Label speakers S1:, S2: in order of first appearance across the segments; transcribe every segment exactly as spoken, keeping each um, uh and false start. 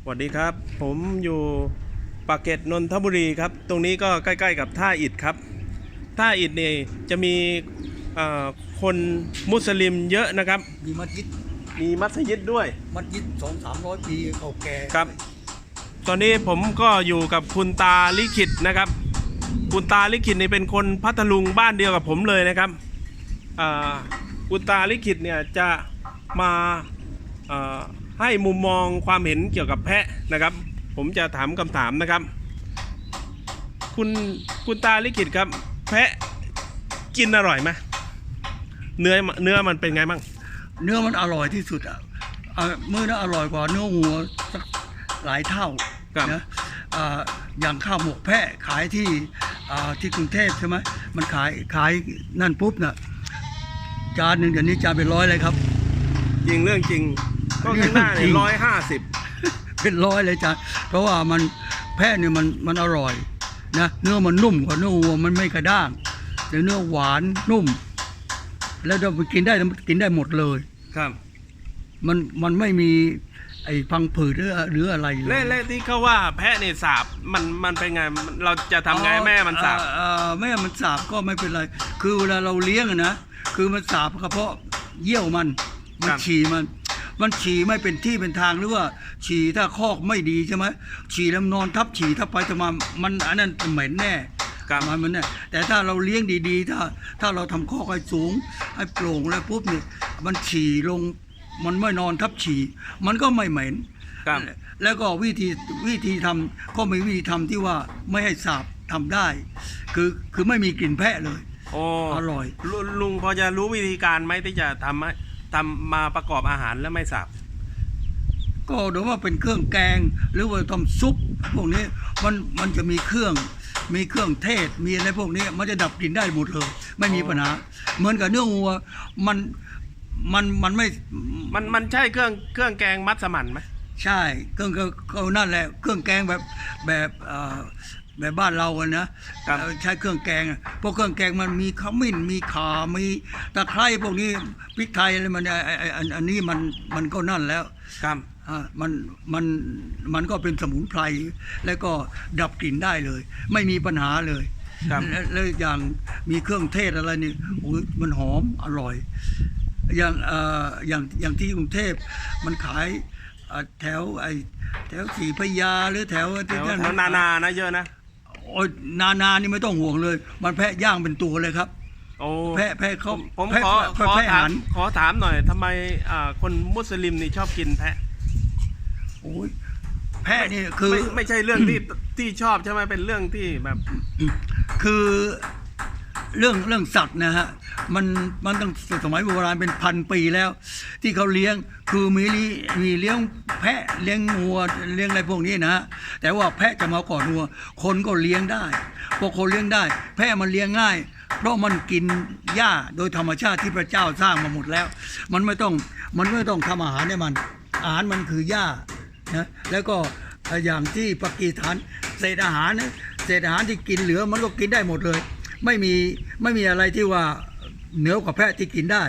S1: สวัสดีครับผมอยู่ปากเกร็ดนนทบุรีครับตรงนี้ก็ใกล้ๆกับท่าอิฐครับท่าอิฐนี่จะมีคนมุสลิมเยอะนะครับ
S2: มีมัสยิด
S1: มีมัสยิดด้วย
S2: มัสยิดสองสามร้อยปีเก่าแก่
S1: ครับตอนนี้ผมก็อยู่กับคุณตาลิขิตนะครับคุณตาลิขิตนี่เป็นคนพัทลุงบ้านเดียวกับผมเลยนะครับคุณตาลิขิตเนี่ยจะมาให้มุมมองความเห็นเกี่ยวกับแพะนะครับผมจะถามคำถามนะครับคุณคุณตาลิขิตครับแพะกินอร่อยไหมเนื้อเนื้อมันเป็นไงบ้าง
S2: เนื้อมันอร่อยที่สุดอ่ะมื้อนั้นอร่อยกว่าเนื้อวัวสักหลายเท่านะอย่างข้าวหมกแพะขายที่ที่กรุงเทพใช่ไหมมันขายขายนั่นปุ๊บน่ะจานหนึ่งเดี๋ยวนี้จานเป็นร้อยเลยครับ
S1: จริงเรื่องจริงก็ข้างหน้าเนี่ยร้อยห้าสิบ
S2: เป็นร้อยเลยจ้ะเพราะว่ามันแพะเนี่ยมันมันอร่อยนะเนื้อมันนุ่มกว่าเนื้อวัวมันไม่กระด้างแต่เนื้อหวานนุ่มแล้วเราไปกินได้กินได้หมดเลย
S1: ครับ
S2: มันมันไม่มีไอ้พังผืดหรือหรืออะไรเลย
S1: เล่ๆที่เขาว่าแพะเนี่ยสาบมันมันเป็นไงเราจะทำไงแม่มันสาบ
S2: แม่มันสาบก็ไม่เป็นไรคือเวลาเราเลี้ยงนะคือมันสาบเฉพาะเยี่ยวมันมันฉี่มันมันฉี่ไม่เป็นที่เป็นทางหรือว่าฉี่ถ้าคอกไม่ดีใช่ไหมฉี่แล้วนอนทับฉี่ทับไปจะมามันอันนั้นเหม็นแน่มันมันแน่แต่ถ้าเราเลี้ยงดีๆถ้าถ้าเราทำคอกให้สูงให้โปร่งแล้วปุ๊บเนี่ยมันฉี่ลงมันไม่นอนทับฉี่มันก็ไม่เหม็นแล้วก็วิธีวิธีทำก็มีวิธีทำที่ว่าไม่ให้สาบทำได้คือคือไม่มีกลิ่นแพะเลย
S1: โอ้
S2: อร่อย
S1: ลุงพอจะรู้วิธีการไหมที่จะทำให้ทำมาประกอบอาหารแล้วไม่สาบ
S2: ก็โดยว่าเป็นเครื่องแกงหรือว่าทำซุปพวกนี้มันมันจะมีเครื่องมีเครื่องเทศมีอะไรพวกนี้มันจะดับกลิ่นได้หมดเลยไม่มีปัญหาเหมือนกับเนื้อวัวมันมันมันไม่
S1: มันมันใช่เครื่องเครื่องแกงมัสมั่นไหม
S2: ใช่เครื่องก็นั่นแหละเครื่องแกงแบบแบบแบบบ้านเราอะนะใช้เครื่องแกงพวกเครื่องแกงมันมีขมิ้นมีข่ามีตะไคร้พวกนี้พริกไทยอะไรมันไอ้อันนี้มันมันก็นั่นแล้ว
S1: ครับ
S2: อ่ามันมันมันก็เป็นสมุนไพรแล้วก็ดับกลิ่นได้เลยไม่มีปัญหาเลยแล้วอย่างมีเครื่องเทศอะไรนี่โอ้ยมันหอมอร่อยอย่างเอ่ออย่างอย่างที่กรุงเทพมันขายแถวไอ้แถวศรีพระยาหรือแถว
S1: แถวนานานะเยอะนะ
S2: โอ้ยนานานี่ไม่ต้องห่วงเลยมันแพะย่างเป็นตัวเลยครับ
S1: โอ้
S2: แพะแพะเขา
S1: ผมขอขอถามขอถามหน่อยทำไมคนมุสลิมนี่ชอบกินแพะ
S2: โอ้ยแพะนี่คือ
S1: ไม่ไม่ใช่เรื่องที่ที่ชอบใช่ไหมเป็นเรื่องที่แบบ
S2: คือเรื่องเรื่องสัตว์นะฮะมันมันตั้งสมัยโบราณเป็นพันปีแล้วที่เขาเลี้ยงคือมีมีเลี้ยงแพะเลี้ยงงัวเลี้ยงอะไรพวกนี้นะแต่ว่าแพะจะมาก่อนงัวคนก็เลี้ยงได้พวกคนเลี้ยงได้แพะมันเลี้ยงง่ายเพราะมันกินหญ้าโดยธรรมชาติที่พระเจ้าสร้างมาหมดแล้วมันไม่ต้องมันไม่ต้องทำอาหารให้มันอาหารมันคือหญ้านะแล้วก็อย่างที่ปากีสถานเศษอาหารนะเศษอาหารที่กินเหลือมันก็กินได้หมดเลยไม่มีไม่มีอะไรที่ว่าเหนือกว่าแพะที่กินได้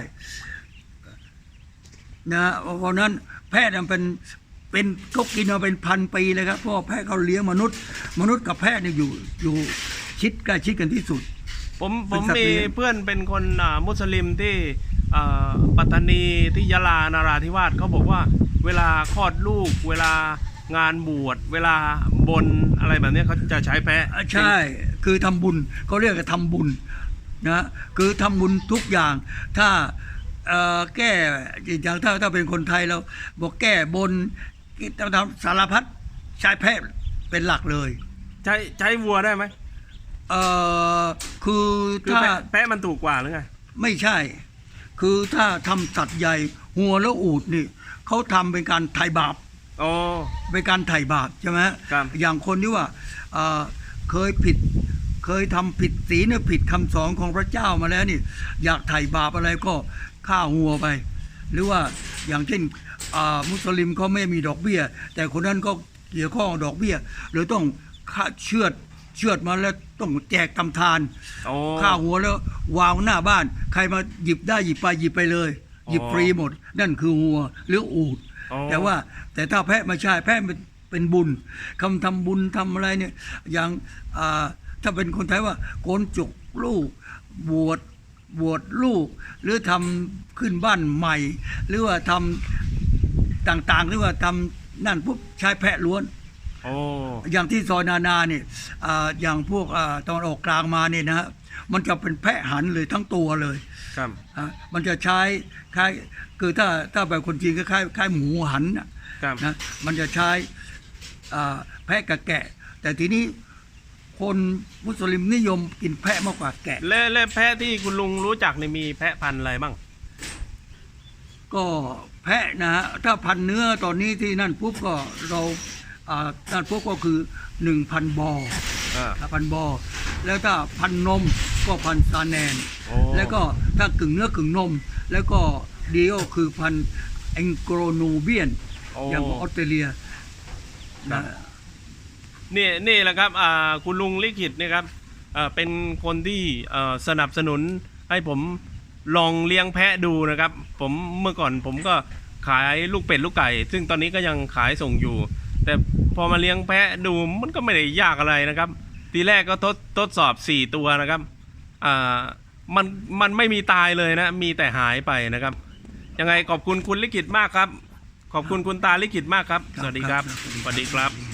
S2: นะเพราะนั้นแพะมันเป็นเป็นก็กินมาเป็นพันปีเลยครับเพราะแพะเขาเลี้ยงมนุษย์มนุษย์กับแพะเนี่ยอยู่อยู่ชิดใกล้ชิดกันที่สุด
S1: ผมผมมีเพื่อนเป็นคนมุสลิมที่ปัตตานีที่ยะลานาราธิวาสเขาบอกว่าเวลาคลอดลูกเวลางานบวชเวลาบนอะไรแบบนี้เขาจะใช้แพะ
S2: ใช่คือทำบุญเขาเรียกว่าทำบุญนะคือทำบุญทุกอย่างถ้าแก้อย่างถ้าถ้าเป็นคนไทยเราบอกแก้บนทำสารพัดใช้แพะเป็นหลักเลย
S1: ใช้ใช้วัวได้ไหม
S2: เอ่อคือถ้า
S1: แพะมันถูกกว่าหรือไง
S2: ไม่ใช่คือถ้าทำสัตว์ใหญ่หัวแล้วอูฐนี่เขาทำเป็นการไถ่บาป
S1: อ๋อ
S2: เป็นการไถ่บาปใช่ไหมอย่างคนที่ว่าเคยผิดเคยทำผิดศีลผิดคำสอนของพระเจ้ามาแล้วนี่อยากไถ่บาปอะไรก็ฆ่าหัวไปหรือว่าอย่างเช่นมุสลิมเขาไม่มีดอกเบี้ยแต่คนนั้นก็เกี่ยวข้องดอกเบี้ยหรือต้องฆ่าเชือดเชือดมาแล้วต้องแจกทำทานฆ่าหัวแล้ววางหน้าบ้านใครมาหยิบได้หยิบไปหยิบไปเลยหยิบฟรีหมดนั่นคือหัวหรืออูฐแต่ว่าแต่ถ้าแพะไม่ใช่แพะเป็นบุญคำทำบุญทำอะไรเนี่ยอย่างอ่าถ้าเป็นคนไทยว่าโกนจุกลูกบวชบวชลูก หรือทำขึ้นบ้านใหม่ หรือว่าทำต่างๆหรือว่าทำนั่นปุ๊บใช้แพะล้วน
S1: โอ้
S2: อย่างที่ซอยนานาเนี่ยอ่าอย่างพวกอ่าตอนออกกลางมาเนี่ยนะฮะมันจะเป็นแพะหันเลยทั้งตัวเลย
S1: ครับ
S2: อ่ะมันจะใช้คล้ายคือถ้าถ้าแบบคนจีนก็คล้ายคล้ายหมูหันน่ะ
S1: ครับ
S2: นะมันจะใช้อ่าแพะกับแกะ แต่ทีนี้คนมุสลิมนิยมกินแพะมากกว่าแกะ
S1: และและแพะที่คุณลุงรู้จักเนี่ยมีแพะพันธุ์อะไรบ้าง
S2: ก็แพะนะฮะถ้าพันเนื้อตอนนี้ที่นั่นปุ๊บก็เราอ่านั่นปุ๊บก็คือหนึ่งพันบอ
S1: อ่า
S2: พันบอ แล้วถ้าพันนมก็พันซาแนน
S1: โอ้
S2: แล้วก็ถ้ากึ่งเนื้อกึ่งนม แล้วก็ดีโอคือพันแองโกรนูเบียน
S1: โอ้
S2: อย่างของออสเตรเลีย
S1: ครั
S2: นะ
S1: บ นี่นี่แหละครับอ่าคุณลุงลิขิตเนี่ยครับอ่าเป็นคนที่เอ่อสนับสนุนให้ผมลองเลี้ยงแพะดูนะครับ ผมเมื่อก่อนผมก็ขายลูกเป็ดลูกไก่ ซึ่งตอนนี้ก็ยังขายส่งอยู่ แต่พอมาเลี้ยงแพะดูมันก็ไม่ได้ยากอะไรนะครับ ทีแรกก็ทดทดสอบสี่ตัวนะครับอ่ามันมันไม่มีตายเลยนะ มีแต่หายไปนะครับ ยังไงขอบคุณคุณลิขิตมากครับ ขอบคุณคุณตาลิขิตมากครับ สวัสดีครับ สวัสดีครับ